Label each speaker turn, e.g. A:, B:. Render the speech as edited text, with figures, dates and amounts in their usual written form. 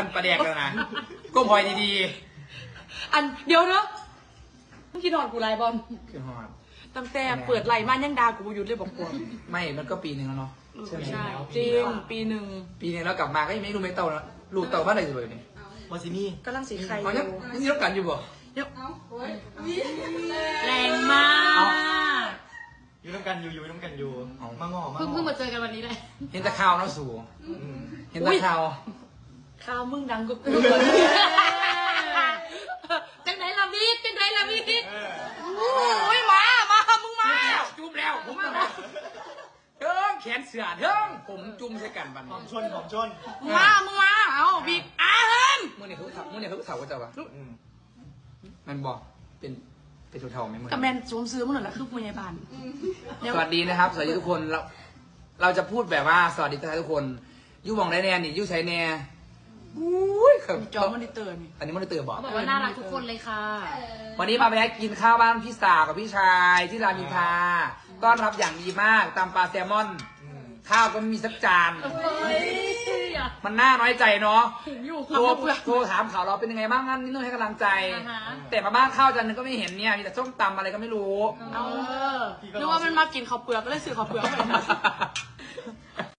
A: กันประแดกแล้วนะก้มหอยดี
B: อันเดี๋ยวเนาะมึงคิดหอดกูไรบอล
A: ๆคือหอด
B: ตั้งแต่เปิดไหลมายังดากูหยุดเลยบอกกู
A: ไม่มันก็ปีหนึ่งแล้วเนาะใช่ไหม
B: ใช่จริงปีหนึ่ง
A: ปีหนึงแล้วกลับมาก็ยังไม่รู้ไม่เต่าแล้วลูกเต่าบ้านไหนจะเลยเนี่ย
C: วาซิมี่
B: กำลังสีไข่
A: เขายังนี่รับกันอยู่บ่
B: แรงมาก
C: อยู่น้ำกันอยู่มาง้อมา
D: เพิ่งมาเจอกันวันนี้เลย
A: เห็นแตะข่าวเนาะสู่เห็นแตะข่าว
B: ข้าวมึงดังกูจังไหนล่ะพี่จังไหนล่ะพี่โอ้ยมามึงมา
A: จุ่มแล้วผมมาเทิงแขนเสือเทิงผมจุ่มใส่กันบัน
C: หอมชน
B: มึงมาเอาบีบอาเฮิม
A: มื่อนี่เขาเสาก็จะวะมันบอกเป็นสุดเท่าไหมมึง
B: กับแมนสวมซื้อมึงหน่อยละคือพยาบาล
A: สวัสดีนะครับสวัสดีทุกคนเราจะพูดแบบว่าสวัสดีทุกคนยู่มองได้แน่นี่ยู่ใช้แน่อุ้ยครับ
B: จอมันได้เตือน
A: อันนี้มันได้เตือนบอก
D: เขาบอกว่าน่ารักทุกคนเลยค่ะ
A: วันนี้มาแวะกินข้าวบ้านพี่สาวกับพี่ชายที่รามอินทราต้อนรับอย่างดีมากตำปลาแซลมอน ข้าวก็ไม่มีสักจาน มันน่าน้อยใจเนาะ
D: อยู่
A: โทรถามข่าวเราเป็นยังไงบ้างงั้นนี่ต้องให้กำลังใจ แต่มาบ้านข้าวจานนึงก็ไม่เห็นเนี่ยมีแต่ส้มตำอะไรก็ไม่รู้
B: เอานึกว่ามันมากินข้าวเปลือกก็เลยซื้อข้าวเปลือกไป